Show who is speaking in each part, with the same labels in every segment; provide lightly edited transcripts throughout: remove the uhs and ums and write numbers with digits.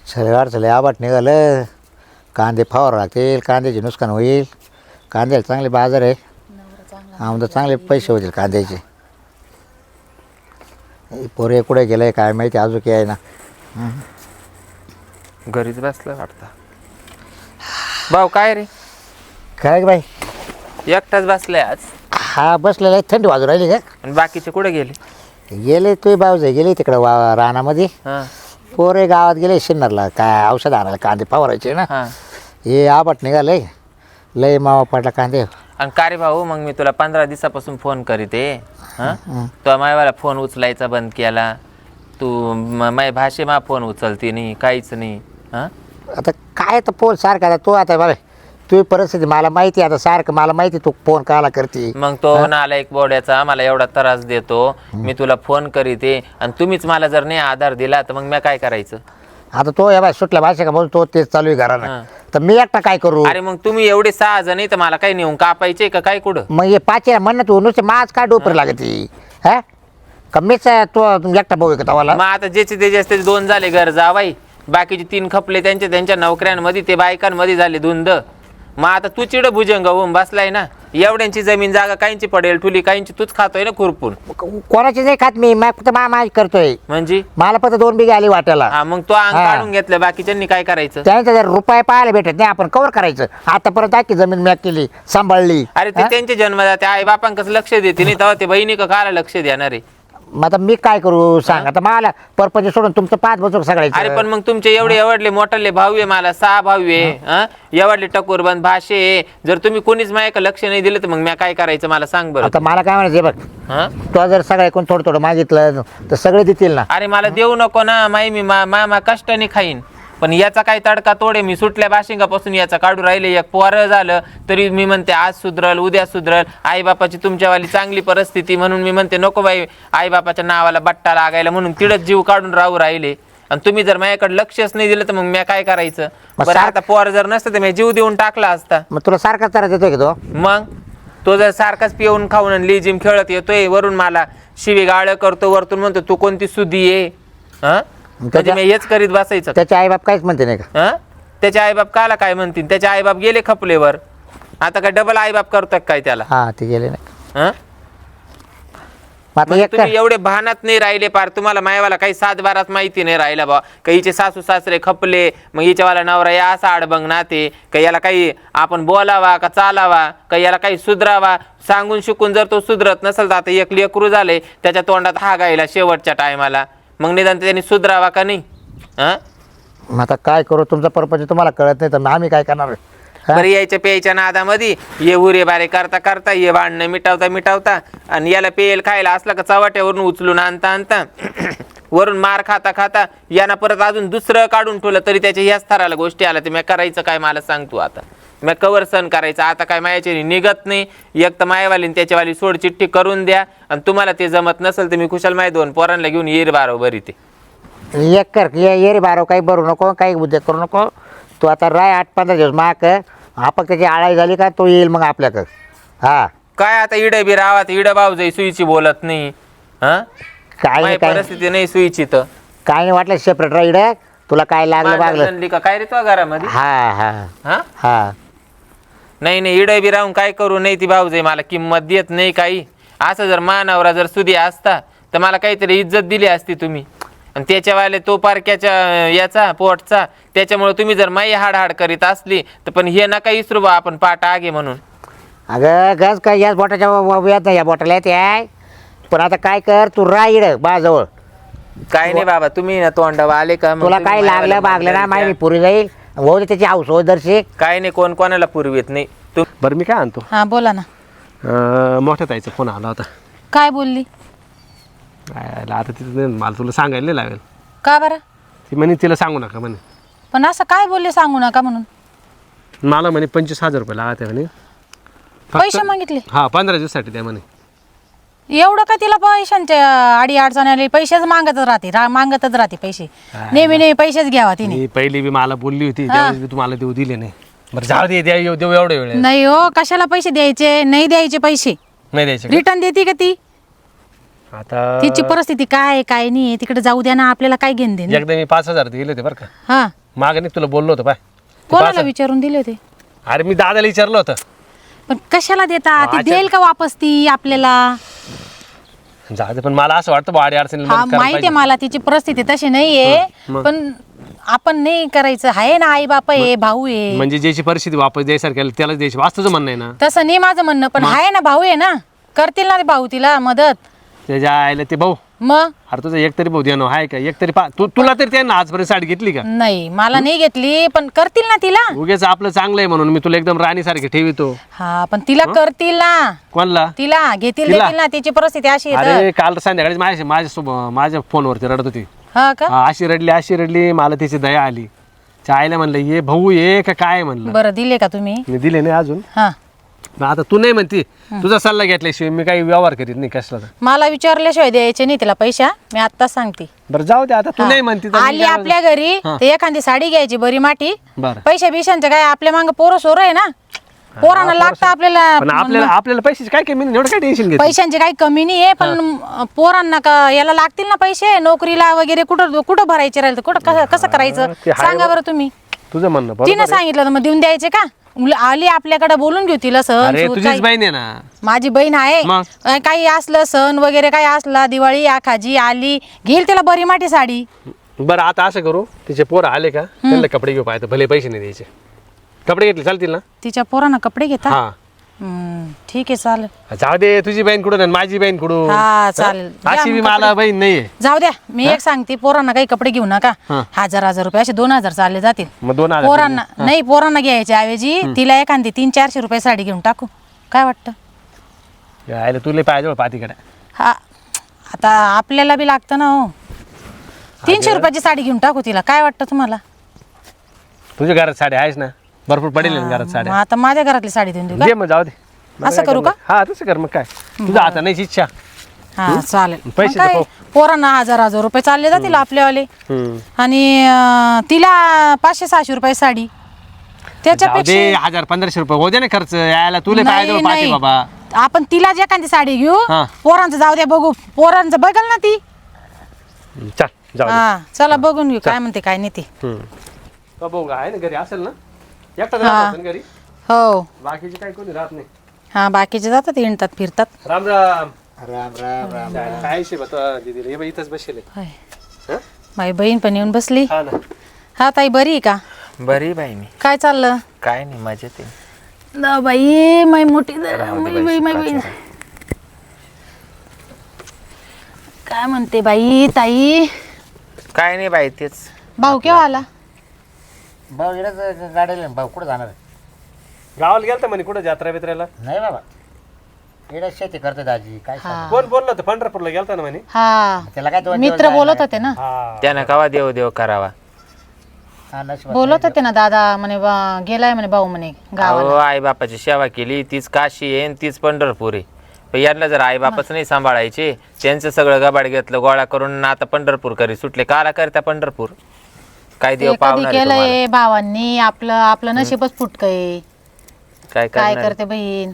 Speaker 1: चले आबाट निघालं. कांदे फवार लागतील, कांद्याचे नुकसान होईल. कांद्याला चांगले बाजार आहे, आमदा चांगले पैसे होतील कांद्याचे. पोरे कुठे गेले काय माहिती, अजून काय आहे ना.
Speaker 2: घरीच बसलं वाटतं. भाऊ काय रे,
Speaker 1: काय बाई?
Speaker 2: एकटाच बसलाय आज?
Speaker 1: हा बसलेला आहे. थंडी वाजू राहिली का?
Speaker 2: आणि बाकीचे कुठे गेले?
Speaker 1: गेले तुझे बावजे गेले तिकडं रानामध्ये.
Speaker 2: हा
Speaker 1: पोरे गावात गेले शिन्नरला काय औषध आणायला, कांदे फवारायचे ना.
Speaker 2: हा.
Speaker 1: हे आबाट निघालंय, लय मावा पडला कांदे.
Speaker 2: आणि का रे भाऊ, मग मी तुला 15 दिवसापासून फोन करीते. हा तो मायवाला फोन उचलायचा बंद केला तू. माय भाषे मा फोन उचलती नाही, काहीच नाही. हा
Speaker 1: आता काय तर फोन सारखा आता. तू आता बरं तुझी परिस्थिती मला माहिती आहे. आता सारखं मला माहिती तू फोन काला करते.
Speaker 2: मग तो नाला एक बोड्याचा मला एवढा त्रास देतो, मी तुला फोन करीते आणि तुम्हीच मला जर नाही आधार दिला तर मग मी काय करायचं?
Speaker 1: आता तो या बाय सुटल्या भाषा का बोल, तो तेच चालू आहे घरानं. तर मी एकटा काय करू?
Speaker 2: अरे मग तुम्ही एवढे 6 जण आहे तर मला काही नेऊन कापायचे का काय कुठं?
Speaker 1: मग हे पाचशे म्हण तू नुसते माझ काय डोपर लागते हा? कमीच तो एकटा भाऊ आहे का तवाला?
Speaker 2: मग आता ज्याचे त्याचे असते 2 झाले घर जावाई, बाकीचे 3 खपले त्यांच्या नोकऱ्यांमध्ये, ते बायकांमध्ये झाले धुंद. मग आता तू चिड भुजंग होऊन बसलाय ना. एवढ्यांची जमीन जागा काहींची पडेल ठुली, काहींची तूच खातोय ना खुरपून.
Speaker 1: कोणाची नाही खात मी, फक्त माझ करतोय.
Speaker 2: म्हणजे
Speaker 1: मला फक्त 2 बिघे आली वाट्याला.
Speaker 2: हा मग तो अंग काढून घेतलं, बाकीच्यांनी काय करायचं?
Speaker 1: त्यांचं जर रुपये पाहायला भेटत नाही आपण कवर करायचं. आतापर्यंत आखी जमीन मॅक केली, सांभाळली.
Speaker 2: अरे ते त्यांचे जन्मदाते आई बापांकच लक्ष देते नाही, तेव्हा ते बहिणी का काला लक्ष देणार आहे?
Speaker 1: मग आता मी काय करू सांग? आता मला परपंच सोडून तुमचं 5 बचूक सगळ्याचं.
Speaker 2: अरे पण मग तुमचे एवढले मोठले भाऊ आहे, मला 6 भाऊ आहे. एवढले टकोरबंद भाषे आहे. जर तुम्ही कोणीच माझ्या लक्ष नाही दिलं तर मग मी काय करायचं मला सांग बरं.
Speaker 1: आता मला काय म्हणायचं बघ, तो जर सगळे कोण थोडं थोडं मागितलं तर सगळे देतील ना.
Speaker 2: अरे मला देऊ नको ना, मी मामा कष्टाने खाईन. पण याचा काय तडका तोडे, मी सुटल्या बाशिंगापासून याचा काढू राहिले. एक पोरं झालं तरी मी म्हणते आज सुधरल उद्या सुधरल. आईबापाची तुमच्यावाली चांगली परिस्थिती म्हणून मी म्हणते नको बाई आईबापाच्या नावाला बट्टा लागायला, म्हणून तिडच जीव काढून राहू राहिले. आणि तुम्ही जर माझ्याकडे लक्षच नाही दिलं तर मग मी काय करायचं? बरं आता पोर जर नसतं तर मी जीव देऊन टाकला असता.
Speaker 1: मग तुला सारखाच त्रास देतोय की तो?
Speaker 2: मग तो जर सारखाच पिऊन खाऊन आणि लिजिम खेळत येतोय, वरून मला शिवी गाळ करतो, वरतून म्हणतो तू कोणती सुधी आहे. हा म्हणजे मी हेच करीत बसायचं?
Speaker 1: त्याचे आईबाप काहीच म्हणते नाही का?
Speaker 2: त्याचे आईबाप काला काय म्हणतील? त्याचे आईबाप गेले खपलेवर, आता काय डबल आईबाप करतात काय त्याला?
Speaker 1: हा ते गेले नाही.
Speaker 2: म्हणजे तुम्ही एवढे भानात नाही राहिले पार, तुम्हाला मायावाला काही 7-12 माहिती नाही राहिला बा. काही हिचे सासू सासरे खपले, मग हिच्यावाला नवरा या असा अडबंग नाते का, याला काही आपण बोलावा का चालावा का, याला काही सुधरावा सांगून शिकून जर तो सुधरत नसेल तर आता एक लेकरू झाले त्याच्या तोंडात हा गायला शेवटच्या टायमाला, मग निदान त्यांनी सुधरावा का नाही?
Speaker 1: मग आता काय करू? तुमचा परपंच तुम्हाला कळत नाही तर आम्ही काय करणार?
Speaker 2: बरं यायच्या प्यायच्या नादामध्ये ये उरे बारे करता करता ये भांडणं मिटावता आणि याला पेयल खायला असला का चवाट्यावरून उचलून आणता वरून मार खाता खाता यांना परत अजून दुसरं काढून ठेवलं तरी त्याच्या ह्याच थराला गोष्टी आल्या. तर मी करायचं काय मला सांग तू? आता मी कवर सण करायचं? आता काय मायाच्याने निघत नाही. एक तर मायावाली त्याच्यावाली सोड चिठ्ठी करून द्या, आणि तुम्हाला ते जमत नसेल तर मी कुशाल माय 2 पोरांना घेऊन येईल बरोबर इथे.
Speaker 1: एक कर ये रे बारो, काही भरू नको, काही उद्योग करू नको. तू आता राय 8-15 दिवस माग आपण त्याची आळाई झाली का तो येईल मग आपल्याकडं. हा
Speaker 2: काय आता इड बी रावात इड भाऊजाई सुईची बोलत नाही. काय परिस्थिती नाही सुईची तर
Speaker 1: काय नाही वाटलं सेपरेट राईड. तुला काय लागलं बागलं
Speaker 2: का काय रे तो घरामध्ये?
Speaker 1: हा हा
Speaker 2: हा
Speaker 1: हा
Speaker 2: नाही इड बी राहून काय करू नाही ती भाऊजाई मला किंमत देत नाही काही. असं जर मानावरा जर सुधी असता तर मला काहीतरी इज्जत दिली असती तुम्ही. आणि त्याच्यावाले तो पारक्याच्या याचा पोटचा, त्याच्यामुळे तुम्ही जर माई हाड करीत असली तर पण हे नका इसरू बा आपण पाठ आगे म्हणून.
Speaker 1: अगं गज काय याच बोटाच्या येत नाही, या बोटाला येते आहे. पण आता काय कर, तू राईड बाजवळ.
Speaker 2: काय नाही बाबा तुम्ही ना तोंडावा आले का?
Speaker 1: तुला काय लागलं बागलं ना माहिती पुरी जाईल भाऊ त्याची हाऊस हो दर्शी.
Speaker 2: काय नाही कोण कोणाला पुरवीत नाही.
Speaker 3: बरं मी काय आणतो?
Speaker 4: हा बोला ना.
Speaker 3: मोठ्या ताईचा फोन आला होता.
Speaker 4: काय बोलली?
Speaker 3: आता तिथं मला तुला सांगायला नाही लागेल.
Speaker 4: का बरं?
Speaker 3: ती म्हणे तिला सांगू नका म्हणे.
Speaker 4: पण असं काय बोलले सांगू नका म्हणून?
Speaker 3: मला म्हणे 25,000 रुपये लागते म्हणे.
Speaker 4: पैसे मागितले?
Speaker 3: हा 15 दिवसासाठी द्या म्हणे.
Speaker 4: एवढं का तिला पैशांच्या आडी अडचण आली? पैसेच मागतच राहते पैसे. नेहमी पैसेच घ्यावा तिने.
Speaker 3: ती पहिली बी मला बोलली होती त्यावेळेस बी तुम्हाला देऊ दिले नाही. बरं जाऊ दे देऊ एवढे वेळ
Speaker 4: नाही हो, कशाला पैसे द्यायचे? नाही द्यायचे पैसे,
Speaker 3: नाही द्यायचे.
Speaker 4: रिटर्न देते का ती?
Speaker 3: आता
Speaker 4: तिची परिस्थिती काय आहे, काय नाही तिकडे जाऊ द्या ना, आपल्याला काय घेणं देणं.
Speaker 3: एकदा मी 5,000 दिले होते बरं का,
Speaker 4: हा,
Speaker 3: मागे नाही तुला बोललो होतो पाय.
Speaker 4: कोणाला विचारून दिले होते?
Speaker 3: अरे मी दादाला विचारलं होतं.
Speaker 4: पण कशाला देता? ती देईल का वापस ती आपल्याला?
Speaker 3: जाऊ दे, पण मला असं वाटतं वाडी अडचणीला
Speaker 4: हा
Speaker 3: मदत करायला
Speaker 4: माहिती आहे
Speaker 3: पाहिजे.
Speaker 4: मला, तिची परिस्थिती तशी नाहीये, पण आपण नाही करायचं. आहे ना, आई बाप आहे, भाऊ आहे.
Speaker 3: म्हणजे ज्याची परिस्थिती वापस द्यायसारखी त्यालाच द्यायची, वास्तूचं म्हणणं आहे ना.
Speaker 4: तसं नाही माझं म्हणणं, पण आहे ना, भाऊ आहे ना, करतील ना ते भाऊ तिला मदत.
Speaker 3: त्याच्या आईला ते भाऊ,
Speaker 4: मग
Speaker 3: अरे तुझं एकतरी भाऊ देणं आहे का? एकतरी तुला तरी त्यांना आजपर्यंत साडी घेतली का?
Speaker 4: नाही, मला नाही घेतली, पण करतील ना तिला.
Speaker 3: उगेच आपलं चांगलं आहे म्हणून मी तुला एकदम राणीसारखी ठेवितो.
Speaker 4: हा, पण तिला करतील ना,
Speaker 3: कोणला?
Speaker 4: तिला घेतील,
Speaker 3: तिला?
Speaker 4: देतील ना. तिची परिस्थिती अशी आहे तर.
Speaker 3: अरे काल संध्याकाळी माझ्या फोनवरती रडत होती.
Speaker 4: हा का?
Speaker 3: हा, अशी रडली, मला तिची दया आली. त्या आईला म्हणलं ये भाऊ ये का काय म्हणलं.
Speaker 4: बरं, दिले का तुम्ही?
Speaker 3: मी दिले नाही अजून.
Speaker 4: हा,
Speaker 3: मग आता तू नाही म्हणती, तुझा सल्ला घेतल्याशिवाय मी काही व्यवहार करीत नाही कसला.
Speaker 4: मला विचारल्याशिवाय द्यायचे नाही तिला पैसा, मी आत्ताच सांगते.
Speaker 3: बरं जाऊ दे, आता तू नाही म्हणती तर मी
Speaker 4: आली
Speaker 3: काय
Speaker 4: आपल्या घरी तर एखादी साडी घ्यायची बरी माठी.
Speaker 3: बरं.
Speaker 4: पैशा बिशांचं काय, आपल्या मागं पोरं सोर आहे ना, पोरांना लागतं आपल्याला.
Speaker 3: पण आपल्याला पैशाची काय कमी नाही, एवढं काय टेन्शन घेत.
Speaker 4: पैशांची काही कमी नाही आहे, पण पोरांना का याला लागतील ना पैसे, नोकरीला वगैरे कुठं कुठं भरायचे राहील तर कुठं कसं करायचं
Speaker 3: ते आहे
Speaker 4: सांगा बरं तुम्ही.
Speaker 3: तुझं म्हणणं बरोबर
Speaker 4: तिनं
Speaker 3: आहे.
Speaker 4: सांगितलं तर मग देऊन द्यायचे का? आली आपल्याकडे, बोलून घेऊ तिला. सण
Speaker 3: अरे
Speaker 4: सूद
Speaker 3: तुझीच
Speaker 4: काही-
Speaker 3: बहीण आहे ना.
Speaker 4: माझी बहीण आहे.
Speaker 3: मग?
Speaker 4: काही असलं सण वगैरे काही असला, दिवाळी आखाजी आली, घेईल तिला बरी माठी साडी.
Speaker 3: बरं आता असं करू, तिचे पोरं आले का त्यांना कपडे घेऊ पाहिजे, भले पैसे नाही द्यायचे. कपडे घेतले चालतील ना?
Speaker 4: तिच्या पोरांना कपडे घेता?
Speaker 3: हा,
Speaker 4: ठीक आहे, चालेल.
Speaker 3: जाऊ दे, तुझी बहीण कुठून आणि माझी बहीण कुठून?
Speaker 4: हा, चालेल.
Speaker 3: अशी बी मला बहीण नाहीये.
Speaker 4: जाऊ द्या, मी एक सांगते, पोरांना काही कपडे घेऊ नका. 1000 रुपये असे 2000 चालले जातील.
Speaker 3: मग 2,000
Speaker 4: पोरांना नाही, पोरांना घ्यायच्या ऐवजी तिला एखादी 300-400 रुपये साडी घेऊन टाकू, काय वाटतं?
Speaker 3: यायला तुला पाहिजे पातीकडे.
Speaker 4: हा, आता आपल्याला बी लागतं ना हो. 300 रुपयाची साडी घेऊन टाकू तिला, काय वाटतं तुम्हाला?
Speaker 3: तुझ्या घरात साडी आहेस ना, भरपूर पडेल ना घरात
Speaker 4: मग
Speaker 3: साड्या.
Speaker 4: आता माझ्या घरातली साडी देऊन देऊ का?
Speaker 3: दे मग, जाऊ दे.
Speaker 4: असं करू का?
Speaker 3: हा तसं कर मग काय, तुझा आता नाही इच्छा.
Speaker 4: हा, चालेल.
Speaker 3: पैसे
Speaker 4: मग काय,
Speaker 3: तर
Speaker 4: पोरांना 1000 रुपये चालले जातील आपल्यावाले. आणि तिला 500-600 रुपये साडी.
Speaker 3: जाऊ
Speaker 4: त्याच्यापेक्षा
Speaker 3: दे, 1,000-1,500 रुपये हो दे ना खर्च. यायला तुला पाहिजे
Speaker 4: नाही,
Speaker 3: पाहिजे
Speaker 4: नाही.
Speaker 3: बाबा.
Speaker 4: आपण तिला जे एखादी साडी घेऊ,
Speaker 3: हा.
Speaker 4: पोरांचं जाऊ द्या बघू, पोरांचं बघल ना ती.
Speaker 3: चल जाऊ दे.
Speaker 4: हा, चला बघून घेऊ काय म्हणते काय नाही ती.
Speaker 3: तो भाऊ आहे ना घरी, असेल ना एकटाच
Speaker 4: हा.
Speaker 3: राहत असेल घरी,
Speaker 4: हो.
Speaker 3: बाकीचे काही कोणी राहत नाही.
Speaker 4: हा, बाकीचे जातात, हिंडतात फिरतात.
Speaker 3: राम राम.
Speaker 1: राम राम राम.
Speaker 3: काय हिशेब आता दीदीला? हे बाई इथंच बसेल आहे.
Speaker 4: होय.
Speaker 3: हं?
Speaker 4: माझी बहीण पण येऊन बसली.
Speaker 3: हा ना.
Speaker 4: हा ताई, बरी आहे का?
Speaker 2: बरी बाई, मी
Speaker 4: काय चाललं?
Speaker 2: काय नाही, मजेत आहे.
Speaker 4: न बाई, माई मोठी
Speaker 2: राहू दे
Speaker 4: माई
Speaker 2: बाई,
Speaker 4: माई बहीण.
Speaker 2: सुखाचं
Speaker 4: काय म्हणते बाई ताई?
Speaker 2: काय नाही बाई, तेच.
Speaker 4: भाऊ केव्हा आला?
Speaker 1: भाऊ इकडे गाडीला भाऊ कुठं जाणार आहे?
Speaker 3: गावाला गेलता म्हणे कुठं जत्रा बित्राला?
Speaker 1: नाही बाबा, इकडे शेती करते दाजी, काय सांगू?
Speaker 3: कोण बोललं होतं? पंढरपूरला गेलता ना म्हणे.
Speaker 4: हा,
Speaker 1: त्याला काय 2
Speaker 4: मित्र बोलत होते ना.
Speaker 3: हा.
Speaker 2: त्यानं कवा देव देव करावा.
Speaker 4: बोलत होते ना दादा म्हणे, गेलाय म्हणे भाऊ म्हणे गावाला.
Speaker 2: अहो, आई बापाची सेवा केली, तीच काशी आहे आणि तीच पंढरपूर आहे. पण यांना जर आई बापच नाही सांभाळायचे, त्यांचं सगळं गबाड घेतलं गोळा करून, आता पंढरपूर करी सुटले. काला करता पंढरपूर? काय देव
Speaker 4: ते कधी
Speaker 2: पावणार आहे तुम्हाला?
Speaker 4: केलंय भावांनी, आपलं नशीबच फुटकंय.
Speaker 2: काय
Speaker 4: काय
Speaker 2: करणार?
Speaker 4: करते बहीण,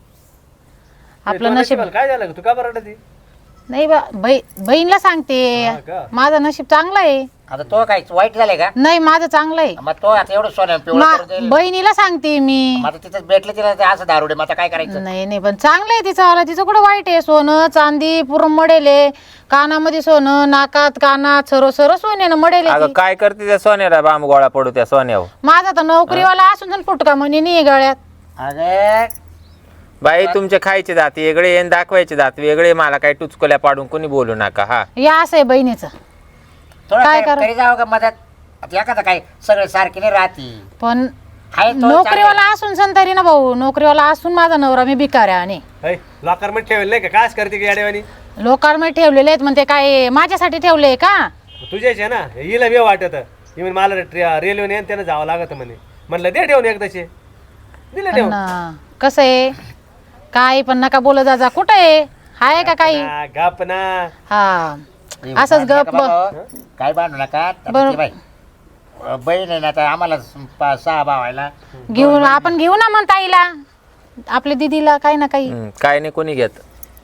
Speaker 4: आपलं
Speaker 3: तुला
Speaker 4: नशीब.
Speaker 3: नशिबाला काय झालं? तू का बरं रडती?
Speaker 4: नाही बहीणला सांगते,
Speaker 3: हा का?
Speaker 4: माझं नशीब चांगलं आहे.
Speaker 1: आता तो काय वाईट झाले का?
Speaker 4: नाही, माझं चांगलं आहे.
Speaker 1: मग तो आता एवढं सोनं पिवळं करून देईल.
Speaker 4: बहिणीला सांगते मी.
Speaker 1: मग आता तिथंच भेटलं तिला ते असं दारुडे, मग आता काय करायचं?
Speaker 4: नाही नाही, पण चांगलं आहे तिचं वाला. तिचं कुठं वाईट आहे? सोनं चांदी पूर्ण मडेले, कानामध्ये सोनं, नाकात कानात सर्व सोन्यानं मडेले.
Speaker 2: अगं काय करते त्या सोन्याला? बांब गोळा पडू त्या सोन्यावर.
Speaker 4: माझा तर नोकरीवाला असून पण फुटका म्हणे नाही गळ्यात.
Speaker 1: अरे
Speaker 2: बाई, तुमचे खायचे दात वेगळे आणि दाखवायचे दात वेगळे. मला काय टुचकोल्या पाडून कोणी बोलू नका. हा,
Speaker 4: या असं आहे बहिणीचं.
Speaker 1: थोडं
Speaker 4: काय
Speaker 1: काय
Speaker 4: करू?
Speaker 1: तरी जावं का मदत? आता एखादं काय सगळे सारखी नाही राहती.
Speaker 4: पण
Speaker 1: आहे तो
Speaker 4: नोकरीवाला असून संतारी ना भाऊ, नोकरीवाला असून माझा नवरा मी भिकाऱ्या आणि
Speaker 3: है, लॉकर मध्ये ठेवेल नाही का? काय करते की याडेवानी?
Speaker 4: लोकांमध्ये ठेवलेले आहेत म्हणते, काय माझ्यासाठी ठेवले का?
Speaker 3: तुझ्याच आहे ना. हिला बी वाटत म्हणे मला रेल्वेने आणि त्यानं जावं लागत म्हणे. म्हणलं दे ठेवून एकदाचे, दिले ठेवून.
Speaker 4: पण कसं आहे, काय पण नका बोलत जा. कुठं आहे का काही?
Speaker 3: हा, गप ना.
Speaker 4: हा, असंच गप.
Speaker 1: काय बांधू नका. आता
Speaker 4: बरं.
Speaker 1: ती बाई बहीण आहे ना, आता आम्हाला 6 भावायला
Speaker 4: घेऊन आपण घेऊ ना मग ताईला, आपल्या दिदीला, काही ना काही.
Speaker 2: काय नाही कोणी घेत.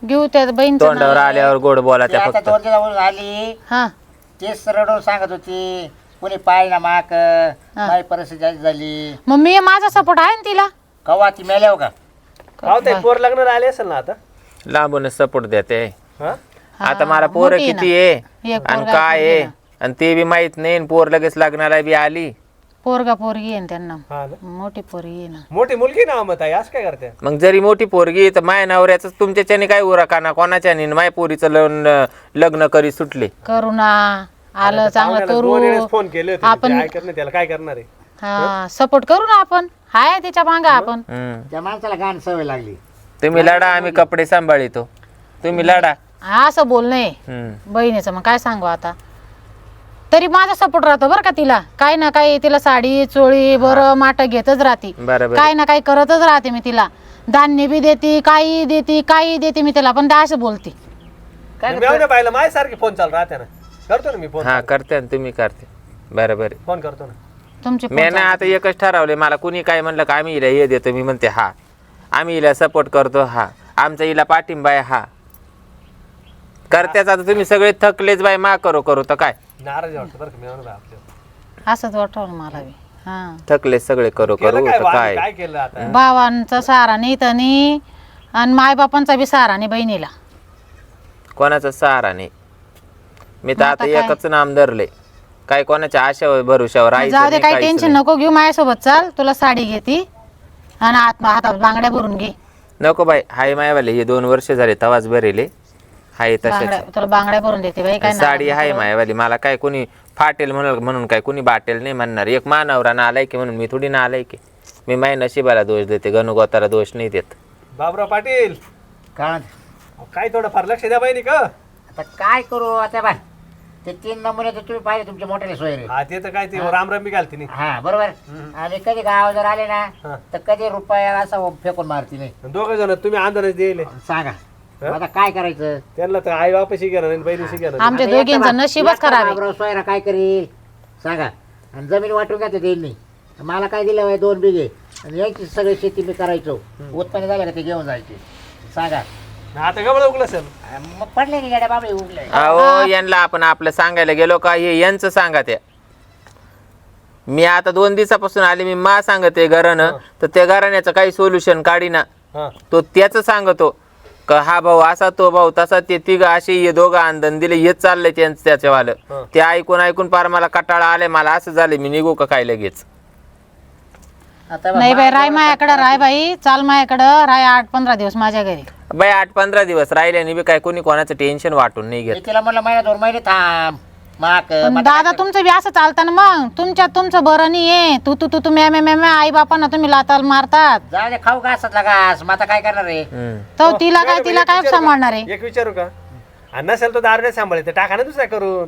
Speaker 4: घेऊ त्या बहीणचं
Speaker 2: तोंडावर
Speaker 4: नाव.
Speaker 2: आल्यावर गोड बोला
Speaker 1: ती
Speaker 2: त्या
Speaker 1: आता
Speaker 2: फक्त
Speaker 1: 2 दिवसावरून आली
Speaker 4: हा
Speaker 1: तेच रडून सांगत होती कोणी पाय ना माक माझी परिस्थिती जास्त झाली.
Speaker 4: मग मी माझा सपोर्ट आहे ना तिला.
Speaker 1: कवा ती मेल्याव का
Speaker 3: हो ते पोर लग्न आले असेल ना आता.
Speaker 2: लांबूनच सपोर्ट देते.
Speaker 3: हा
Speaker 2: आता मला पोरं
Speaker 4: मोठी आहे
Speaker 2: किती आहे
Speaker 4: एक
Speaker 2: आणि
Speaker 4: पोरगा,
Speaker 2: काय
Speaker 4: एक
Speaker 2: आहे
Speaker 4: पोरगी
Speaker 2: आणि ते बी माहित नाही आणि पोर लगेच लग्नाला बी आली.
Speaker 4: पोरगा पोरगी आहे ना त्यांना.
Speaker 3: हा ना.
Speaker 4: मोठी पोरगी आहे ना.
Speaker 3: मोठी मुलगी ना मग ताई असं काय करते.
Speaker 2: मग जरी मोठी पोरगी तर माय नवऱ्याच तुमच्याच्याने काय उराकाना कोणाच्याने माय पोरीचं लग्न करी सुटले.
Speaker 4: करुणा आलं चांगलं
Speaker 3: पाहुण्याला 2 वेळेस
Speaker 4: करू.
Speaker 3: फोन केले होते
Speaker 4: आपण-
Speaker 3: ते ऐकत नाही त्याला काय करणार आहे.
Speaker 4: हा सपोर्ट करू ना आपण. हाय तिच्या मांगा आपण.
Speaker 1: त्या माणसाला घाण सवय लागली.
Speaker 2: तुम्ही लढा आम्ही कपडे सांभाळितो. तुम्ही लढा.
Speaker 4: असं बोलणं बहिणीचं मग काय सांगू आता. तरी माझा सपोर्ट राहतो बरं का तिला. काय ना काय तिला साडी चोळी बरं माट घेतच राहते.
Speaker 2: बरोबर.
Speaker 4: काय ना काही करतच राहते मी तिला. धान्य बी देते काही देते मी तिला पण त्या असं बोलते.
Speaker 3: मी पाहिलं माझ्यासारखे फोन चालू राहते ना. करतो ना मी फोन.
Speaker 2: हा करते आणि तुम्ही करते. बरोबर.
Speaker 3: फोन करतो ना.
Speaker 4: तुमची
Speaker 2: मी ना आता एकच ठरवले मला कुणी काय म्हणलं का आम्ही हिला हे देतो मी म्हणते हा आम्ही हिला सपोर्ट करतो हा आमचा हिला पाठिंबा आहे हा करत्याच. आता तुम्ही सगळे थकलेच बाय मा करू तर काय
Speaker 3: नाराज वाटतं बरं का मी आपल्या.
Speaker 4: असंच वाटवलं मला बी. हा
Speaker 2: थकले सगळे करू
Speaker 3: केलं काय
Speaker 2: तर
Speaker 3: वाणी,
Speaker 2: काय
Speaker 3: काय केलं आता.
Speaker 4: भावांचा सहारा नाही तनी आणि मायबापांचा बी सहारा नाही बहिणीला.
Speaker 2: कोणाचा सहारा नाही. मी तर
Speaker 4: मग
Speaker 2: आता
Speaker 4: आता काय?
Speaker 2: एकच नाम धरले काय कोणाच्या आशावर भरोशावर
Speaker 4: जाऊ दे
Speaker 2: राहायचं
Speaker 4: काही
Speaker 2: नाही,
Speaker 4: टेन्शन
Speaker 2: काहीच
Speaker 4: नको घेऊ माझ्यासोबत चाल. तुला साडी घेती आणि हातात बांगड्या भरून घे.
Speaker 2: नाही. नको बाई हाय मायवाले हे 2 वर्ष झाले तवाच भरेले हाय
Speaker 4: बांगड्या
Speaker 2: तशाच
Speaker 4: तुला बांगड्या भरून देते बाई. काय
Speaker 2: साडी
Speaker 4: नाव
Speaker 2: हाय
Speaker 4: नको.
Speaker 2: मायवाली मला काय कोणी फाटेल म्हणून काय कोणी बाटेल नाही म्हणणार. एक मानवरा ना आलाय की म्हणून मी थोडी ना आलाय की मी माय नशिबाला दोष देते गणुगोताला दोष नाही देत.
Speaker 3: बाबराव पाटील
Speaker 1: कारण
Speaker 3: काय थोडं फार लक्ष द्या बहिणी का.
Speaker 1: आता काय करू आता बाय ते 3 नमुने तर तुम्ही पाहिले तुमच्या मोठ्याने सोयरे.
Speaker 3: हा ते तर काय ते रामरामी घालते नाही.
Speaker 1: हा बरोबर. आणि कधी गाव जर आले ना
Speaker 3: हा.
Speaker 1: तर कधी रुपयाला असं फेकून मारती नाही.
Speaker 3: 2 जण तुम्ही आंदोलन दिले
Speaker 1: सांगा आता काय करायचं.
Speaker 3: त्यांना तर आई बापाशी घेणार नाही बहिणीशी घेणार नाही.
Speaker 4: आमच्या दोघींचं नशीबच खराब आहे.
Speaker 1: सोयरा काय करील सांगा. आणि जमीन वाटून घ्या त्यांनी मला काय दिलं बाई 2 बिघे आणि यायची सगळी शेती मी करायचो. उत्पन्न झालं का ते घेऊन जायचे सांगा.
Speaker 3: आता गबळ उगलं असेल.
Speaker 1: मग पडले की गाड्या बाबळे उगले.
Speaker 2: अहो यांना आपण आपलं सांगायला गेलो का हे यांचं सांगा त्या. मी आता 2 दिवसापासून आले मी मा सांगते घरानं तर त्या घराण्याचं काही सोल्युशन काढीना.
Speaker 3: हा
Speaker 2: तो त्याच सांगतो का हा भाऊ असा तो भाऊ तसा ते तिघ असे हे दोघं आंदन दिले हेच चाललंय त्यांचं त्याच्यावालं. ते ऐकून पार मला कटाळा आलाय मला असं झालं मी निघू का काय लगेच.
Speaker 1: आता
Speaker 4: नाही बाई राय माझ्याकडं राय बाई चाल माझ्याकडं राय 8-15 दिवस माझ्या घरी.
Speaker 2: बाई 8-15 दिवस राहिल्याने बी काय कोणी कोणाचं टेन्शन वाटून नाही घेत.
Speaker 1: तिला म्हणलं महिना 2 महिने थांब माक
Speaker 4: पण दादा तुमचं बी असं चालतं ना मग. तुमचं बरं नाही आहे. तू मॅ आई बापांना तुम्ही लाताल मारतात.
Speaker 1: जाऊ दे खाऊ घासातला घास मग आता काय करणार आहे.
Speaker 4: तर तिला काय सांभाळणार आहे.
Speaker 3: एक विचारू का. आणि नसेल तो दारू सांभाळते टाका ना दुसऱ्या करून.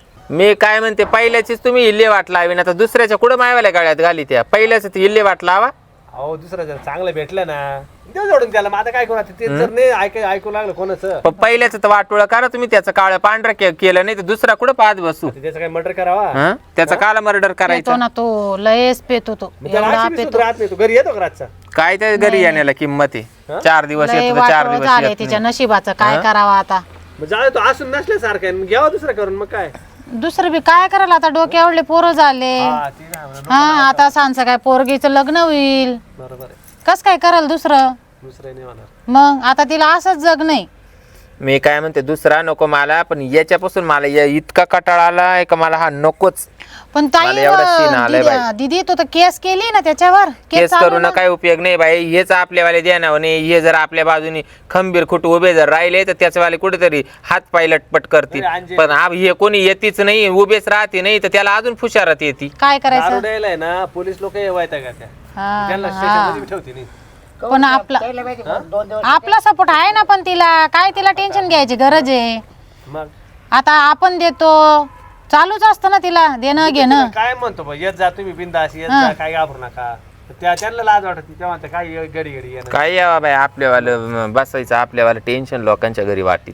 Speaker 2: मी काय म्हणते पहिल्याचीच तुम्ही इल्ले वाट लावी ना तर दुसऱ्याच्या कुठं मायवाल्या गाड्यात घाली त्या पहिल्याच इल्ले वाट लावा.
Speaker 3: अहो दुसरं जर चांगलं भेटलं ना देऊ जोडून त्याला. मग आता काय करू आता ते जर नाही ऐकू लागलं कोणाचं.
Speaker 2: पण पहिल्याच तर वाटोळं करा तुम्ही त्याचं काळं पांढरं केलं नाही तर दुसरा कुठं पाहत बसू.
Speaker 3: त्याचं काय मर्डर करावा.
Speaker 2: हं? त्याचा काला मर्डर
Speaker 4: पेतो
Speaker 2: करायचा
Speaker 4: ना तो लयच पेतो तो
Speaker 3: मग त्याला
Speaker 4: एवढा
Speaker 3: अशी बी
Speaker 4: पेतो.
Speaker 3: सुद्धा राहत नाही. तो घरी येतो का रातचा.
Speaker 2: काय त्या घरी येण्याला किंमत आहे. 4 दिवस
Speaker 4: लय
Speaker 2: येतो तर 4
Speaker 4: वाटोळं
Speaker 2: दिवस
Speaker 4: झालंय
Speaker 2: येत
Speaker 4: तिच्या
Speaker 2: नाही.
Speaker 4: नशिबाचं काय करावं आता.
Speaker 3: मग जाऊ तो असून नसल्यासारखं आहे. मग घ्यावा दुसरं करून मग काय.
Speaker 4: दुसरं बी काय करायला आता डोक्यावरले पोरं झाले.
Speaker 3: हा ते नाही म्हणा.
Speaker 4: हा आता सांगचं काय पोरगीचं लग्न होईल
Speaker 3: बरोबर आहे.
Speaker 4: कस काय कराल दुसरं.
Speaker 3: दुसरं नाही म्हणा.
Speaker 4: मग आता तिला असंच जग नाही.
Speaker 2: मी काय म्हणते दुसरा नको मला पण याच्यापासून मला इतका कटाळा आलाय का मला हा नकोच.
Speaker 4: पण
Speaker 2: मला एवढा सीन आलाय बाई.
Speaker 4: दीदी तू तर केस केली ना त्याच्यावर.
Speaker 2: केस
Speaker 4: चालू
Speaker 2: करून
Speaker 4: ना.
Speaker 2: काय उपयोग नाही बाई. हेच आपल्यावाले देणार नाही. हे जर आपल्या बाजूनी खंबीर खुट उभे जर राहिले तर त्याच्यावाले कुठेतरी हात पाय लटपट करतील.
Speaker 3: अरे अंजे.
Speaker 2: पण हे कोणी येतीच नाही उभेच राहते नाही तर त्याला अजून फुशारत येते.
Speaker 4: काय
Speaker 3: दारू
Speaker 4: करायचं.
Speaker 3: द्यायला आहे ना पोलीस लोक येवायता का त्या.
Speaker 4: हा,
Speaker 3: त्यांना
Speaker 4: हा.
Speaker 3: स्टेशनमध्ये ठेवते नाही.
Speaker 4: पण आपला
Speaker 1: त्याला माहिती 2 दिवस
Speaker 4: आपला सपोर्ट आहे ना पण तिला काय तिला टेन्शन घ्यायची गरज आहे.
Speaker 3: मग
Speaker 4: आता आपण देतो चालूच असतं ना तिला देणं घेणं.
Speaker 3: काय म्हणतो बा येत जा तुम्ही बिंदास येत जा काय घाबरू नका. त्यांना लाज वाटत नाही तेव्हा काय घडी येणं.
Speaker 2: काय यावा बाई आपल्यावालं बसायचं आपल्यावालं टेन्शन लोकांच्या घरी वाटीत.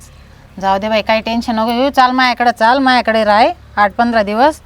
Speaker 4: जाऊ दे बाई काही टेन्शन नको घेऊ. चाल माझ्याकडे राह 8-15 दिवस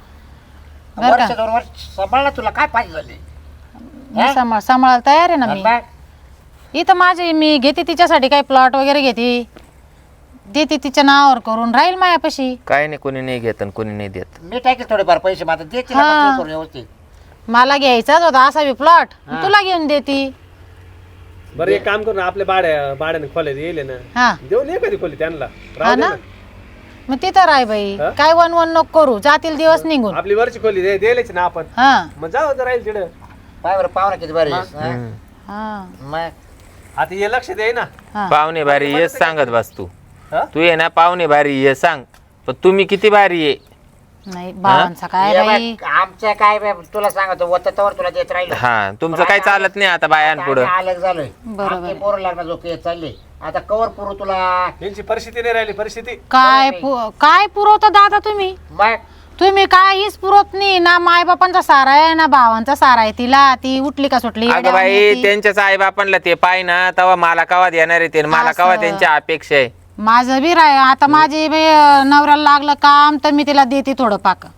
Speaker 4: बरं
Speaker 1: वर्ष
Speaker 4: का.
Speaker 1: 2 वर्ष सांभाळला तुला काय पाहिजे झाले.
Speaker 4: मी सांभाळायला तयार आहे ना मी. इथं माझे मी घेते तिच्यासाठी काही प्लॉट वगैरे घेते, देते तिच्या नावावर करून, राहील मायापाशी.
Speaker 2: काय नाही, कोणी नाही घेत आणि कोणी नाही देत.
Speaker 1: मी टाकेल थोडेफार पैसे मात्र देते ना,
Speaker 4: हा.
Speaker 1: मग ते करून व्यवस्थित.
Speaker 4: मला घ्यायचाच होता असा बी प्लॉट, तुला घेऊन देती.
Speaker 3: बरं एक काम करू ना, आपल्या भाड्याने खोल्यात येईल ना,
Speaker 4: हा
Speaker 3: देऊन ये कधी खोली त्यांना,
Speaker 4: हा
Speaker 3: राहू दे
Speaker 4: ना,
Speaker 3: ना.
Speaker 4: मग तिथं राय बाई.
Speaker 3: हा?
Speaker 4: काय वन वन नको करू, जातील दिवस निघून.
Speaker 3: आपली वरची खोली द्यायलाच ना आपण,
Speaker 4: हा
Speaker 3: मग जाऊ तर राहील तिकडं.
Speaker 1: पाय बरं पाहुणा किती बरे
Speaker 4: हा
Speaker 1: मग
Speaker 3: आता हे लक्ष दे ना.
Speaker 4: हा.
Speaker 2: पाहुणे भारी येस सांगत बस तू.
Speaker 3: हा?
Speaker 2: तू ये ना पाहुणे भारी ये सांग, पण तुम्ही किती भारी ये.
Speaker 4: नाही बाबांचा काय
Speaker 1: ये
Speaker 4: बाई.
Speaker 1: बघ, आमचं काय बे, तुला सांगतो वततावर तुला देत राहिलं.
Speaker 2: हा तुमचं काही चालत नाही आता बायांपुढं.
Speaker 1: आम्ही अलग झालोय.
Speaker 4: बरोबर
Speaker 1: आमचे
Speaker 4: आहे.
Speaker 1: पोरं लग्न जो येत चालले आता कवर पुरू तुला.
Speaker 3: यांची परिस्थिती नाही राहिली, परिस्थिती.
Speaker 4: काय पुरवता दादा तुम्ही?
Speaker 1: मग
Speaker 4: तुम्ही काहीच पुरवत नाही ना. मायबापांचा सारा आहे ना भावांचा सारा आहे. तिला ती उठली का सुटली
Speaker 2: अगं बाई त्यांच्याच आई बापांना ते पाय ना, तेव्हा मला कवा देणार आहे ते, मला कवा
Speaker 4: असं.
Speaker 2: त्यांच्या अपेक्षा आहे.
Speaker 4: माझं बी राय. आता माझे बी नवऱ्याला लागलं काम तर मी तिला देते थोडं पाक.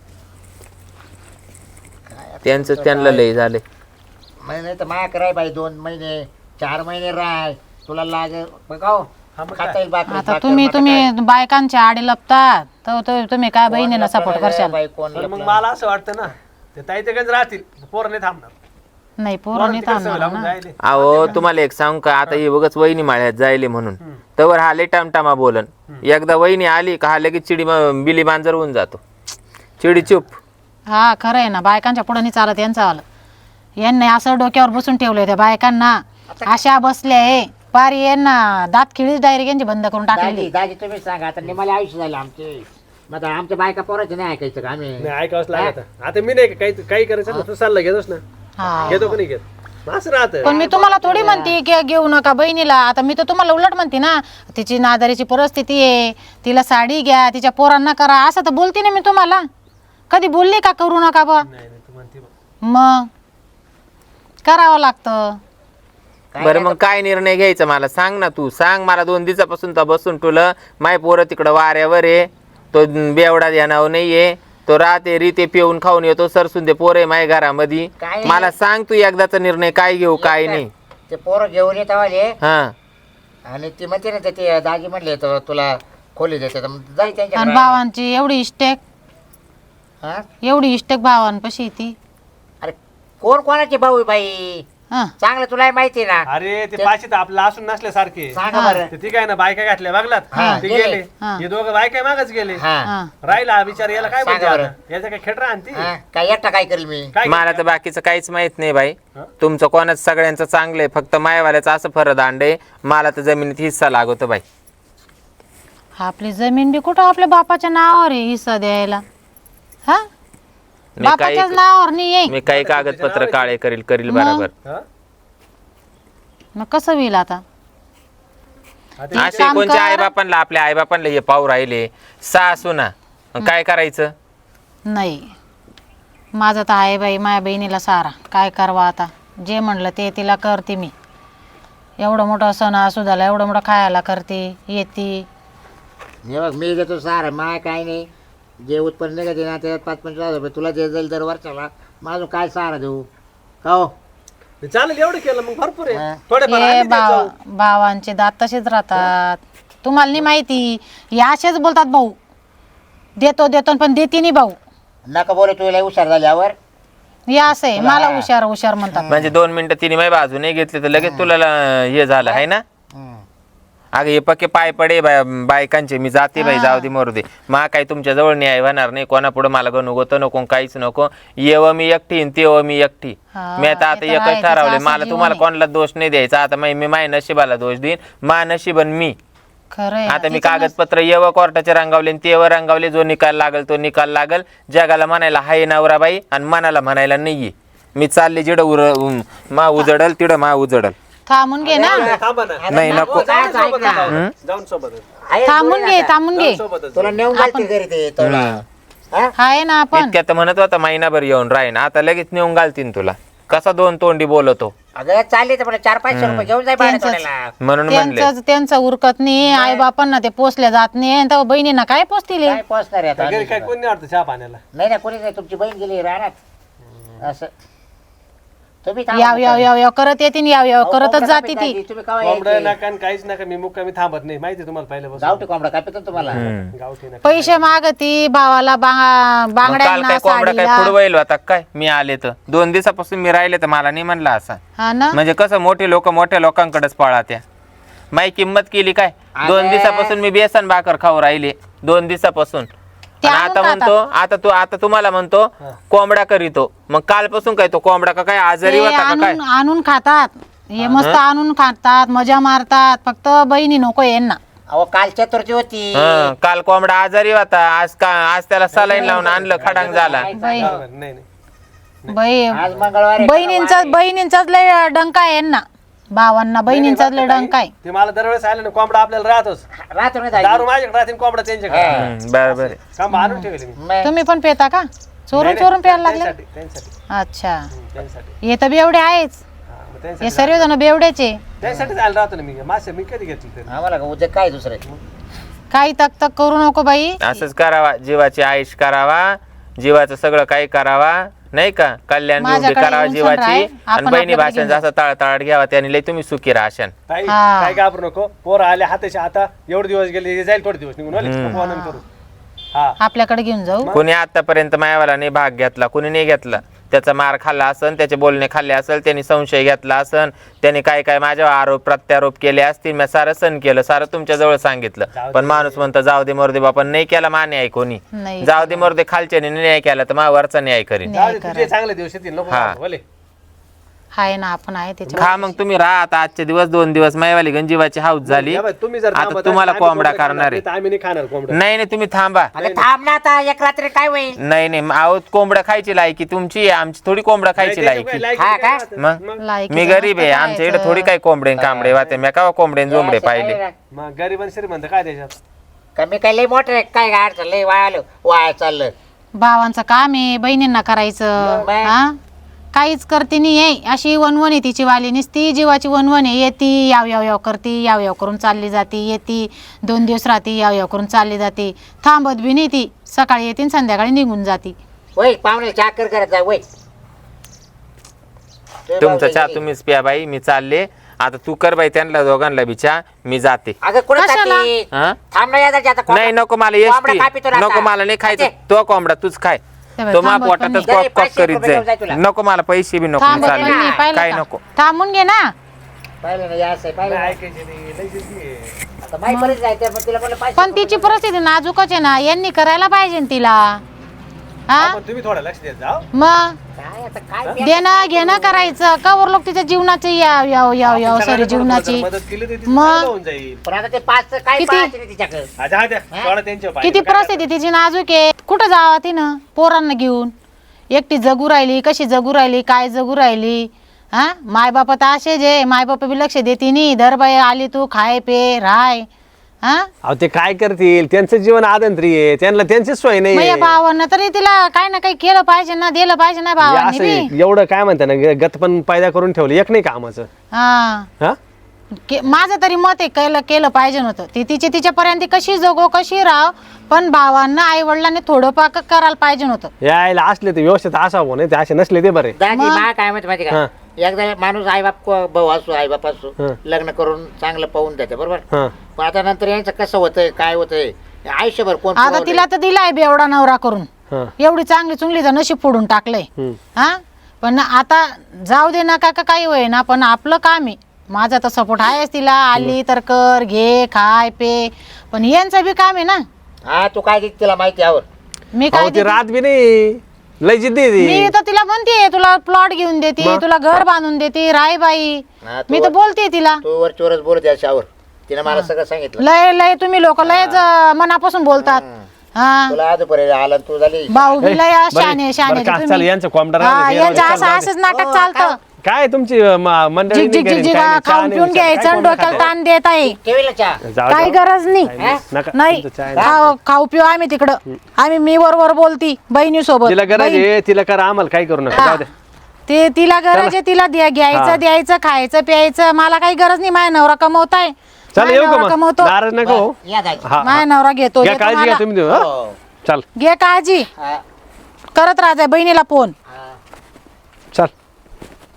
Speaker 2: त्यांचं त्यांना लय झाले.
Speaker 1: नाही तर माया कराय बाई 2 महिने 4 महिने राय तुला लागे बघाव
Speaker 3: हा मग
Speaker 1: खाता येईल भाकरी,
Speaker 4: आता
Speaker 1: भाकर,
Speaker 4: तुम्ही
Speaker 1: बटाटा.
Speaker 4: बायकांच्या आडी लपतात तर तुम्ही काय बहिणीला
Speaker 1: कोण
Speaker 4: सपोर्ट
Speaker 1: लपलं
Speaker 4: करशाल?
Speaker 1: बाई, कोण
Speaker 3: पण मग
Speaker 1: लपलं?
Speaker 3: मला असं वाटतं ना, ते ताई ते गंज राहतील, पोरं नाही थांबणार.
Speaker 4: नाही पोरं
Speaker 3: पोरं
Speaker 4: नाही
Speaker 3: तिकडे सवय
Speaker 4: थांबणार
Speaker 3: लागून
Speaker 4: ना.
Speaker 3: जायले.
Speaker 2: अहो तुम्हाला एक सांगू का, आता हे बघच वहिनी माळ्यात जायले म्हणून तवर हा लय टामटामा बोलन. एकदा वहिनी आली का हा लगेच बिली मांजर होऊन जातो. चिडी चुप.
Speaker 4: हा खरं आहे ना. बायकांच्या पुढे नाही चालत यांचं आलं. यांनी असं डोक्यावर बसून ठेवलंय त्या बायकांना. अशा बसल्या आहे पारी यांना दात खिळीच डायरेक्ट यांची बंद करून टाकलेली.
Speaker 1: दाजी दाजी तुम्ही सांगा आता निमाले आयुष्य झाले आमचे. मग आता आमच्या बायका पोराचे नाही ऐकायचं का आम्ही?
Speaker 3: नाही ऐकावंच लागत. आता मी नाही का काही करायचं ना, तू सल्ला घेतोस ना,
Speaker 4: हा
Speaker 3: घेतो का नाही घेत, असं राहतं.
Speaker 4: पण मी तुम्हाला थोडी म्हणते की घेऊ नका बहिणीला. आता मी तर तुम्हाला उलट म्हणते ना, तिची नादारीची परिस्थिती आहे, तिला साडी घ्या, तिच्या पोरांना करा, असं तर बोलते ना मी तुम्हाला. कधी बोलली का करू नका बा?
Speaker 3: नाही नाही, तू म्हणते बा.
Speaker 4: मग करावं लागतं.
Speaker 2: बरं मग काय निर्णय घ्यायचा मला सांग ना. तू सांग मला. 2 दिवसापासून तर बसून तुला माय पोरं तिकडं वाऱ्यावर आहे, तो बेवडा ध्यानावर नाहीये, तो राहते रीते पिऊन खाऊन येतो, सरसून दे पोरे माय घरामध्ये.
Speaker 1: काय?
Speaker 2: मला सांग तू एकदाचा निर्णय काय घेऊ काय नाही.
Speaker 1: ते पोरं घेऊन येत आले
Speaker 2: हा
Speaker 1: आणि ती म्हणते ना ते दाजी म्हणले तर तुला खोली देते तर मग जाई त्यांच्या
Speaker 4: आणि
Speaker 1: घरात.
Speaker 4: भावांची एवढी इष्टेक,
Speaker 1: हा?
Speaker 4: एवढी इष्टेक भावांपाशी ती.
Speaker 1: अरे कोण कोणाचे भाऊ आहे बाई?
Speaker 4: हा
Speaker 1: चांगलं तुला माहिती ना.
Speaker 3: अरे ते पाचशे तर आपलं असून नसल्यासारखे.
Speaker 1: सांगा बरं.
Speaker 3: ते ती काय ना बायका घातल्या बघलात,
Speaker 1: हा,
Speaker 3: ते
Speaker 1: गेले.
Speaker 3: गेले.
Speaker 4: हा.
Speaker 3: हे दोघं बायका मागच गेले.
Speaker 1: हा
Speaker 4: हा
Speaker 3: राहिला विचार याला काय
Speaker 1: सांगा
Speaker 3: म्हणते
Speaker 1: बरं.
Speaker 3: आता? याचा काय खेटरा आणती
Speaker 1: हा, काय एकटा काय करेल मी?
Speaker 3: काय
Speaker 2: मला तर बाकीचं काहीच माहित नाही बाई.
Speaker 3: हा?
Speaker 2: तुमचं कोणाच सगळ्यांचं चांगलं आहे, फक्त मायवाल्याचं असं फरदांड आहे. मला तर जमिनीत हिस्सा लागतो बाई.
Speaker 4: आपली जमीन बी कुठं आपल्या बापाच्या नावावर आहे हिस्सा द्यायला? हा
Speaker 2: मी
Speaker 4: बापाच्याच
Speaker 2: काही
Speaker 4: नावावर नाही आहे.
Speaker 2: मी काही कागदपत्र काळे करील बरोबर.
Speaker 3: हा?
Speaker 4: मग कसं होईल आता?
Speaker 3: आता
Speaker 2: असे
Speaker 4: काम
Speaker 2: कोणत्या
Speaker 4: कर.
Speaker 2: आई बापांना आपल्या आई बापांना हे पाहू राहिले सासू ना, काय करायचं?
Speaker 4: नाही माझं तर आहे बाई, माझ्या बहिणीला सारा. काय करवा आता? जे म्हणलं ते तिला करते मी. एवढं मोठं सण असू झाला, एवढं मोठं खायला करते, येते.
Speaker 1: हे बघ मी देतो सारा माय काय नाही. जे उत्पन्न निघते ना त्यात 5-5 रुपये तुला जे जाईल दर वर्षाला. माझं काय सहारा देऊ का हो?
Speaker 3: चालेल एवढं केलं मग भरपूर आहे.
Speaker 1: हा.
Speaker 3: थोडेफार
Speaker 4: हे
Speaker 3: आम्ही देत जाऊ.
Speaker 4: भावांचे दात तसेच राहतात. तुम्हाला नाही माहिती, हे असेच बोलतात भाऊ. देतो देतो पण देते नाही भाऊ.
Speaker 1: नका बोले तुला हुशार झाल्यावर.
Speaker 4: हे असं आहे, मला हुशार हुशार म्हणतात.
Speaker 2: म्हणजे 2 मिनिटं तिने माझी बाजू नाही घेतली तर लगेच तुला हे झालं आहे ना. अगं हे पक्के पाय पडे बायकांचे. मी जाते बाई, जाऊ दे मरू दे. मा काही तुमच्या जवळ न्याय होणार नाही. कोणापुढे मला गणू गोत नको, काहीच नको. येव मी एकटी तेव्हा मी एकटी.
Speaker 4: हा,
Speaker 2: मी आता
Speaker 4: ते तर
Speaker 2: एकच
Speaker 4: आहे,
Speaker 2: ठरवले.
Speaker 4: तिचं
Speaker 2: मला
Speaker 4: असं
Speaker 2: तुम्हाला
Speaker 4: जीवन
Speaker 2: कोणाला दोष नाही द्यायचा. आता मी माय नशिबाला दोष देईन. मा नशिबन मी.
Speaker 4: खरंय.
Speaker 2: आता मी कागदपत्र येव कोर्टाचे रंगावले तेव्हा रंगावले. जो निकाल लागल तो निकाल लागल. जगाला म्हणायला हाय नवराबाई आणि मनाला म्हणायला नाहीये. मी चालले जिडं मा उजडल तिडं मा उजडल.
Speaker 4: थांबून घे ना.
Speaker 3: थांबा ना.
Speaker 2: नाही नको.
Speaker 3: जाऊन सोबतच जाऊ. जाऊन सोबतच.
Speaker 1: आहे
Speaker 4: थांबून घे थांबून घे.
Speaker 3: सोबतच
Speaker 1: तुला नेऊन घालते घरी ते तुला. हा?
Speaker 4: आहे ना आपण.
Speaker 2: इतक्यात म्हणत होता महिनाभर येऊन राहीन, आता लगेच नेऊन घालतीन तुला. कसा 2 तोंडी बोलतो
Speaker 1: अगं चालले तर मला 400-500 रुपये घेऊन जाय भाड्या
Speaker 4: त्यांचंच.
Speaker 1: तोड्याला.
Speaker 2: म्हणून म्हणले.
Speaker 4: त्यांचं उरकत नाही. आई बापांना ते पोचल्या जात नाही. आणि तेव्हा बहिणींना काय पोचतील हे?
Speaker 1: काय पोचणार आहे आता?
Speaker 3: घरी काय कोण नाही वाटतं चहा पाण्याला.
Speaker 1: नाही ना कोणी नाही. तुमची बहीण गेली राहणार असं. तुम्ही
Speaker 4: याव याव याव याव करत येते याव याव करतच जाते ती.
Speaker 1: तुम्ही कवा
Speaker 3: कोंबडं
Speaker 1: यायचे?
Speaker 3: नका आणि काहीच नका, मी मुक्कामी थांबत नाही माहिती तुम्हाला पहिल्यापासून.
Speaker 1: गावठी कोंबडा काय पितो तुम्हाला
Speaker 3: गावठी नका.
Speaker 4: पैसे मागती भावाला
Speaker 2: मग काल
Speaker 4: बांगड्यांना
Speaker 2: काय कोंबडा काय
Speaker 4: साडीला.
Speaker 2: फुडवाईल होता काय? मी आले तर 2 दिवसापासून मी राहिले तर मला नाही म्हणला असा.
Speaker 4: हा ना
Speaker 2: म्हणजे कसं मोठे लोक मोठ्या लोकांकडेच पळा त्या. माही किंमत केली काय? 2 दिवसापासून मी बेसन भाकर खाऊ राहिले 2 दिवसापासून.
Speaker 4: ते
Speaker 2: आणि
Speaker 4: आणून
Speaker 2: आता म्हणतो आता तुम्हाला म्हणतो कोंबडा करीतो. मग कालपासून काय तो कोंबडा का काय आजारी
Speaker 4: ते
Speaker 2: होता का काय?
Speaker 4: आणून खातात हे मस्त आणून खातात मजा मारतात फक्त बहिणी नको यांना.
Speaker 1: अहो काल चतुर्थी होती.
Speaker 2: हं, काल कोंबडा आजारी होता. आज त्याला सलाईन लावून आणलं खडांग झाला.
Speaker 4: बाई
Speaker 3: नाही नाही.
Speaker 4: बाई
Speaker 1: आज मंगळवार आहे.
Speaker 4: बहिणींचाच लय डंका आहे यांना. भावांना बहिणींचाच लय डंका आहे.
Speaker 3: ते मला दरवेळेस आले ना कोंबडा आपल्याला राहतोच.
Speaker 1: राहतो नाही
Speaker 3: दारू माझ्याकडे राहते आणि कोंबडा त्यांच्याकडे.
Speaker 2: बरोबर आहे.
Speaker 3: काम आणून ठेवले मी.
Speaker 1: मग
Speaker 4: तुम्ही पण पेता का? चोरून चोरून प्यायला लागले.
Speaker 3: त्यांच्यासाठी त्यांच्यासाठी
Speaker 4: अच्छा
Speaker 3: त्यांच्यासाठी
Speaker 4: हे तर बेवडे आहेच.
Speaker 3: हा, मग
Speaker 4: हे
Speaker 3: त्यांच्यासाठी
Speaker 4: सर्वजण बेवड्याचे.
Speaker 3: त्यासाठी जायला राहतो ना मी. मासे मी कधी घेतली तरी.
Speaker 1: आम्हाला का उद्या काय दुसरं
Speaker 4: काही तक तक करू नको बाई.
Speaker 2: असंच करावा. जीवाची आयुष करावा. जीवाचं सगळं काही करावा नाही का? कल्याण
Speaker 4: माझ्याकडे
Speaker 2: करावा
Speaker 4: येऊन
Speaker 2: जीवाची.
Speaker 4: राय.
Speaker 2: आणि
Speaker 4: आपण
Speaker 2: बहिणी
Speaker 4: आपल्याकडे
Speaker 2: भाषांचा असं तळतळाट घ्यावा त्याने लय तुम्ही सुखी राहशान.
Speaker 3: ताई
Speaker 4: हा.
Speaker 3: काय घाबरू नको. पोरं आले हाताच्या आता एवढे दिवस गेले हे जाईल थोडे दिवस निघून आले. नको आनंद करू. हा
Speaker 4: आपल्याकडे घेऊन जाऊ.
Speaker 2: कोणी आतापर्यंत मायावाला नाही भाग घेतला, कोणी नाही घेतला. त्याचा मार खाल्ला असन, त्याचे बोलणे खाल्ले असेल, त्यांनी संशय घेतला असन, त्यांनी काय काय माझ्यावर आरोप प्रत्यारोप केले असतील. मी सारं सण केलं, सारं तुमच्या जवळ सांगितलं. पण माणूस म्हणतो जाऊ दे मरू दे बापा. नाही केला मा न्याय कोणी.
Speaker 4: नाही
Speaker 2: जाऊ दे मरू दे खालच्याने न्याय केला तर मा वरचा न्याय करीन.
Speaker 3: जाऊ दे, तुझे चांगले दिवस येतील. नको
Speaker 2: हा.
Speaker 3: घाबरू, भले.
Speaker 4: आहे ना आपण आहे त्याच्या.
Speaker 2: खा मग तुम्ही राहा आता. आजचे दिवस 2 दिवस मायवाली गंजीवाची हाऊस झाली.
Speaker 3: या बाई, तुम्ही जर
Speaker 2: आता
Speaker 3: थांबत
Speaker 2: तुम्हाला
Speaker 3: असाल, आम्ही
Speaker 2: कोंबडा
Speaker 3: कोंबडा
Speaker 2: करणार आहे.
Speaker 3: तर आम्ही नाही खाणार कोंबडा.
Speaker 2: नाही नाही तुम्ही थांबा.
Speaker 1: अगं थांब ना आता एक रात्री काय होईल.
Speaker 2: नाही आहोत कोंबडा खायची लायकी तुमची आहे, आमची थोडी कोंबडा खायची लायकी.
Speaker 1: हा का?
Speaker 2: मग
Speaker 4: लायकी
Speaker 2: मी गरीब आहे. आमच्या इकडे थोडी काही कोंबडे कांबडे वाते. मी का कोंबडे जोंबडे पाहिले.
Speaker 3: मग गरीब आणि श्रीमंत काय त्याच्यात?
Speaker 1: कमी काय लय मोठं काय गाड चाललंय वाया चाललं.
Speaker 4: भावांचं काम आहे बहिणींना करायचं.
Speaker 1: बाय.
Speaker 4: हा काहीच करते नाही आहे. अशी वनवन आहे तिची वाली नुसती जीवाची वनवन आहे. येती याव याव याव करती याव याव करून चालली जाती. येती 2 दिवस राहती याव याव करून चालली जाते. थांबत बी नाही ती. सकाळी येते आणि संध्याकाळी निघून जाती.
Speaker 1: वय पाहुणे चाकर करत जा वय.
Speaker 2: तुमचा चहा तुम्हीच प्या बाई. मी चालले आता. तू कर बाई त्यांना दोघांना बी चहा. मी जाते.
Speaker 1: अगं कुठं
Speaker 4: कशाला?
Speaker 1: जाती?
Speaker 2: हा?
Speaker 1: थांब ना यादा आता
Speaker 2: नाही नको मला
Speaker 1: कोंबडा
Speaker 2: एसटी
Speaker 1: कापितो ना
Speaker 2: नको.
Speaker 1: आता.
Speaker 2: मला नाही खायचं.
Speaker 1: अच्छा.
Speaker 2: तो कोंबडा तूच खाय.
Speaker 4: ते बाई,
Speaker 2: तो मा
Speaker 4: थांबत पण
Speaker 2: पोटातच
Speaker 4: नाही.
Speaker 2: कॉक कॉक
Speaker 1: 500
Speaker 2: करीत
Speaker 1: रुपये घेऊन जाय तुला.
Speaker 2: जाईल. नको मला पैसे बी नको. मी
Speaker 4: थांबत पण
Speaker 2: चालले.
Speaker 4: नाही. पाहिलं
Speaker 2: काय
Speaker 4: का?
Speaker 2: नको.
Speaker 4: थांबून घे ना.
Speaker 1: पाहिलं ना या असं पाहिलं ना.
Speaker 3: ऐकायचे नाही, लय जिद्दी आहे.
Speaker 1: आता माई बरेच जायचं मग तिला म्हणलं
Speaker 4: पण
Speaker 1: 500
Speaker 4: तिची परिस्थिती नाजूकच आहे ना. यांनी करायला पाहिजे ना तिला. हा
Speaker 3: पण तुम्ही थोडं लक्ष देत जा.
Speaker 4: मग
Speaker 1: काय आता काय
Speaker 4: देणं घेणं करायचं. कवर लोक तिच्या जीवनाची याव याव याव याव सॉरी जीवनाची.
Speaker 3: मदत केली तर तिचं
Speaker 4: मग?
Speaker 3: चांगलं होऊन जाईल.
Speaker 1: पण आता ते 5 काय
Speaker 4: किती?
Speaker 1: पाहायचं नाही तिच्याकडे.
Speaker 3: अच्छा द्या सोडा त्यांच्या पायात.
Speaker 4: किती परिस्थिती तिची नाजूक आहे. कुठं जावा तिनं पोरांना घेऊन. एकटी जगू राहिली. कशी जगू राहिली काय जगू राहिली. हा मायबाप तर असे जे मायबाप बी लक्ष देते नाही. धर बाई आली तू खाय पे राय. हा
Speaker 3: अहो ते काय करतील? त्यांचं जीवन आदंत्री आहे. त्यांना त्यांची सोय नाही
Speaker 4: मग या भावांना तरी तिला काय ना काही केलं पाहिजे ना. दिलं पाहिजे ना भावांनी
Speaker 3: असं
Speaker 4: बी.
Speaker 3: आहे. एवढं काय म्हणता ना गत पण पैदा करून ठेवलं एक नाही कामाचं.
Speaker 4: हा
Speaker 3: हा
Speaker 4: माझं तरी मत आहे केलं पाहिजे नव्हतं. ती तिच्यापर्यंत कशी जगो कशी राह. पण भावांना आई वडिलांनी थोडं पाक करायला पाहिजे नव्हतं.
Speaker 3: यायला असले ते व्यवस्थित असावं नाही ते असे नसले ते बरे.
Speaker 1: दादी मा काय माहिती
Speaker 3: हा.
Speaker 1: का एकदा माणूस आई बाप भाऊ असो आई बाप असो
Speaker 3: हा.
Speaker 1: लग्न करून चांगलं पाहून द्यायचं बरोबर.
Speaker 3: हा
Speaker 1: पण आता नंतर यांचं कसं होतंय काय होतंय आयुष्यभर कोण
Speaker 4: आता
Speaker 1: पुरवलंय?
Speaker 4: तिला तर दिलाय बेवडा नवरा करून.
Speaker 3: हा
Speaker 4: एवढी चांगली चुंगलीचं नशीब फोडून टाकलंय.
Speaker 3: हम्म.
Speaker 4: हा पण आता जाऊ दे ना का काही होय ना. पण आपलं काम आहे. माझा तर सपोर्ट आहेच तिला. आली तर कर घे खाय पे. पण यांचं बी काम आहे ना.
Speaker 1: हा तू काय देते तिला माहिती यावर.
Speaker 4: मी काय
Speaker 3: अहो ते
Speaker 4: देते?
Speaker 3: रात बी नाही लय जिद्दी आहे
Speaker 4: मी
Speaker 3: ती.
Speaker 4: तर तिला म्हणते तुला प्लॉट घेऊन देते
Speaker 3: मग?
Speaker 4: तुला घर बांधून देते राय बाई.
Speaker 1: हा,
Speaker 4: मी तर बोलते तिला.
Speaker 1: तू वरचीवरच बोलत याच्यावर तिने मला सगळं सांगितलं.
Speaker 4: लय लय तुम्ही लोक लयच मनापासून बोलतात. हा
Speaker 1: तुला आजपर्यंत आला तू झाली
Speaker 4: भाऊ बी लय
Speaker 3: बरं,
Speaker 4: शाने शाने
Speaker 3: बरं, का,
Speaker 4: तुम्ही.
Speaker 3: चल, यांचं कोंबडा राहू दे,
Speaker 4: हा,
Speaker 3: हे
Speaker 4: यांचं
Speaker 3: राहू दे,
Speaker 4: असं
Speaker 3: चल,
Speaker 4: असंच नाटक चालतं.
Speaker 3: काय तुमची मंडळी
Speaker 4: झिक झिक झिक झिक खाऊन पिऊन घ्यायचं आणि डोक्याला ताण देत आहे.
Speaker 1: ठेवीला चहा
Speaker 4: काही गरज नाही. नाही खाऊ पिऊ आम्ही तिकडं. आम्ही मी बरोबर बोलती बहिणी सोबत.
Speaker 3: तिला गरज आहे तिला करा आम्हाला काय करू नका जाऊ दे.
Speaker 4: ते तिला गरज आहे तिला घ्यायचं द्यायचं खायचं प्यायचं. मला काही गरज नाही. माझ्या नवरा कमवताय.
Speaker 3: चल
Speaker 4: माझा
Speaker 3: येऊ का
Speaker 4: नवरा
Speaker 3: मग
Speaker 4: कमवतो.
Speaker 3: नाराज नको हो.
Speaker 1: या दाजी.
Speaker 3: हा
Speaker 4: माझ्या नवरा घेतो
Speaker 3: घ्या
Speaker 4: देतो
Speaker 3: काळजी घ्या
Speaker 4: मला.
Speaker 3: तुम्ही हा?
Speaker 1: हो.
Speaker 3: चल
Speaker 4: घे काळजी
Speaker 1: हा,
Speaker 4: करत राहा बहिणीला फोन.
Speaker 1: हा.
Speaker 3: चल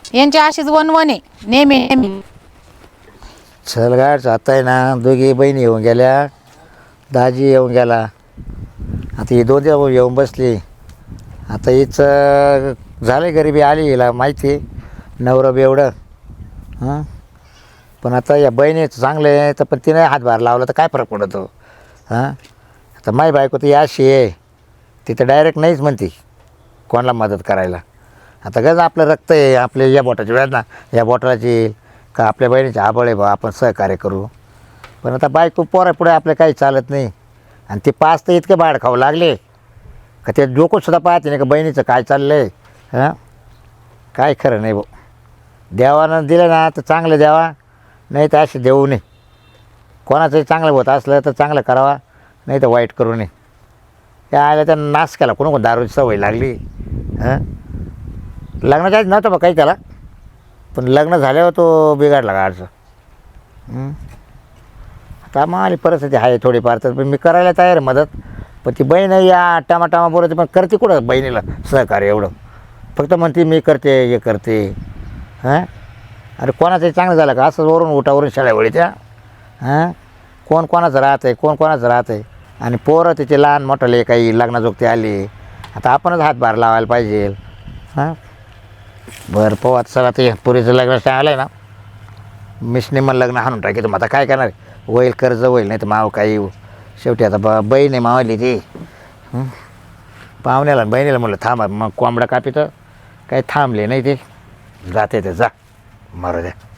Speaker 4: यांची अशीच वनवन आहे नेहमी नेहमी.
Speaker 1: चल गाड आता आहे ना, दोघी बहिणी येऊन गेल्या, दाजी येऊन गेला. आता ही दोन दिवस येऊन बसली. आता हीच झालं गरिबी आली, हिला माहिती आहे नवरं बेवडं. हां पण आता या बहिणीचं चांगलं आहे तर, पण तिने हातभार लावला तर काय फरक पडतो. हां आता माई बायको तर याशी आहे, ती तर डायरेक्ट नाहीच म्हणते कोणाला मदत करायला. आता गज आपलं रक्त आहे, आपले या बोटाची वेदना या बोटाची का आपल्या बहिणीचे आबळ आहे बा, आपण सहकार्य करू. पण आता बायको पोरापुढे आपलं काही चालत नाही. आणि ते पाच तर इतके बाळ खाऊ लागले का ते डोकंसुद्धा पाहते नाही का बहिणीचं काय चाललं आहे. हां काय खरं नाही भाऊ. देवानं दिलं ना तर चांगलं द्यावा, नाही तर असे देऊ नये. कोणाचंही चांगलं होत असलं तर चांगलं करावा, नाही तर वाईट करू नये. त्या आल्या त्या नाश केला, कोण दारूची सवय लागली. हां लग्नाच्या आधी नव्हतं बा काही त्याला, पण लग्न झाल्यावर तो बिघडला गाडचं. आता मग आली परिस्थिती आहे थोडीफार, तर मी करायला तयार आहे मदत. पण ती बहीण या टामाटामा बोलते, पण करते कुठं बहिणीला सहकार्य एवढं. फक्त म्हणते मी करते हे करते. हां अरे कोणाचंही चांगलं झालं का असं वरून उठावरून शाळेवळी त्या. हां कोण कोणाचं राहतं आहे, कोण कोणाचं राहतं आहे. आणि पोरं तिचे लहान मोठाले काही लग्नाजोगते आली, आता आपणच हातभार लावायला पाहिजे. हां बरं पाहू आता. चला ते पुरीचं लग्न आलं आहे ना, मिसने मग लग्न हाणून टाकी. मग आता काय करणार, होईल कर्ज होईल, नाही तर माव काही शेवटी आता बहीण आहे मावली ती. पाहुण्याला बहिणीला म्हटलं थांबा, मग कोंबडा कापी तर काही थांबले नाही ते, जाते ते जा मारू द्या.